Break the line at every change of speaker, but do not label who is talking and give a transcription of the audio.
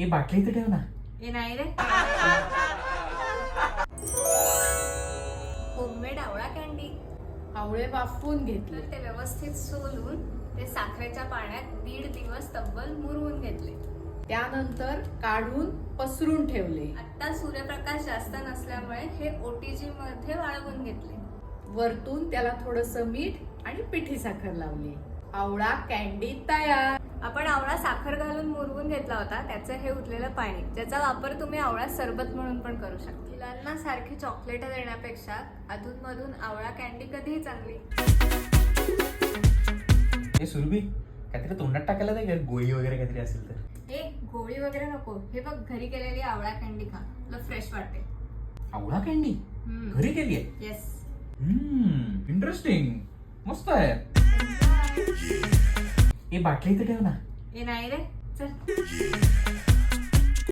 ही बाटली इथे ठेव ना.
हे नाही रे. होममेड आवळा कॅन्डी.
आवळे वाफवून घेतले.
तर ते व्यवस्थित सोलून ते साखरेच्या पाण्यात 1.5 दिवस तब्बल मुरवून घेतले.
त्यानंतर काढून पसरून ठेवले.
आता सूर्यप्रकाश जास्त नसल्यामुळे हे ओटीजी मध्ये वाळवून घेतले.
वरतून त्याला थोडंसं मीठ आणि पिठी साखर लावली. आवळा कॅन्डी तयार.
आपण आवळा साखर घालून मुरवून घेतला होता, त्याचं हे उरलेलं पाणी, ज्याचा वापर तुम्ही आवळा सरबत म्हणून पण करू शकता. मुलांना सारखी चॉकलेट देण्यापेक्षा अधूनमधून आवळा कॅन्डी कधीही चांगली.
हे सुरभी काहीतरी तोंडात टाकायला नाही का, गोळी वगैरे काहीतरी असेल तर.
हे गोळी वगैरे नको, हे बघ घरी केलेली आवळा कॅन्डी खा, तुला फ्रेश वाटेल.
आवळा कॅन्डी घरी केली आहे.
येस.
इंटरेस्टिंग, मस्त आहे. ही बाटली इथे ठेव ना.
हे नाही रे, चल.